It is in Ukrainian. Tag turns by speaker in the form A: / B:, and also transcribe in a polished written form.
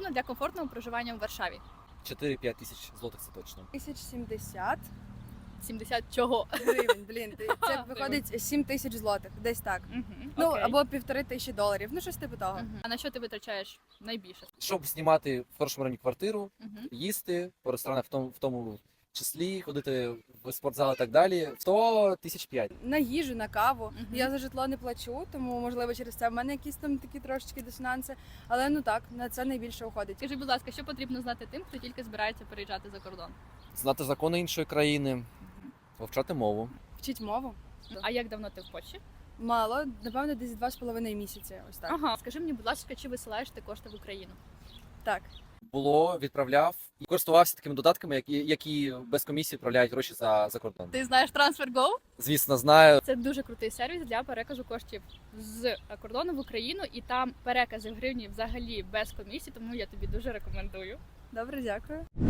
A: сума для комфортного проживання у Варшаві?
B: 4-5 тисяч злотих це точно.
C: 1070
A: 70 чого?
C: гривень, блін, це виходить 7 тисяч злотих, десь так. Ну,
A: Окей.
C: або 1500 доларів, ну щось типу того.
A: А на що ти витрачаєш найбільше?
B: Щоб знімати в хорошому районі квартиру,
A: Мгм.
B: їсти по ресторанах в тому числі, ходити в спортзал і так далі, 100 тисяч 5.
C: На їжу, на каву.
A: Мгм.
C: Я за житло не плачу, тому можливо через це в мене якісь там такі трошечки дисонанси. Але ну так, на це найбільше уходить.
A: Скажи, будь ласка, що потрібно знати тим, хто тільки збирається переїжджати за кордон?
B: Знати закони іншої країни, вивчати мову.
C: Вчить мову.
A: А як давно ти в Польщі?
C: Мало, напевно, десь 2,5 місяці. Ось так.
A: Ага. Скажи мені, будь ласка, чи висилаєш ти кошти в Україну?
C: Так.
B: Було, відправляв і користувався такими додатками, які без комісії відправляють гроші за кордон.
A: Ти знаєш TransferGo?
B: Звісно, знаю.
A: Це дуже крутий сервіс для переказу коштів з кордону в Україну, і там перекази в гривні взагалі без комісії, тому я тобі дуже рекомендую.
C: Добре, дякую.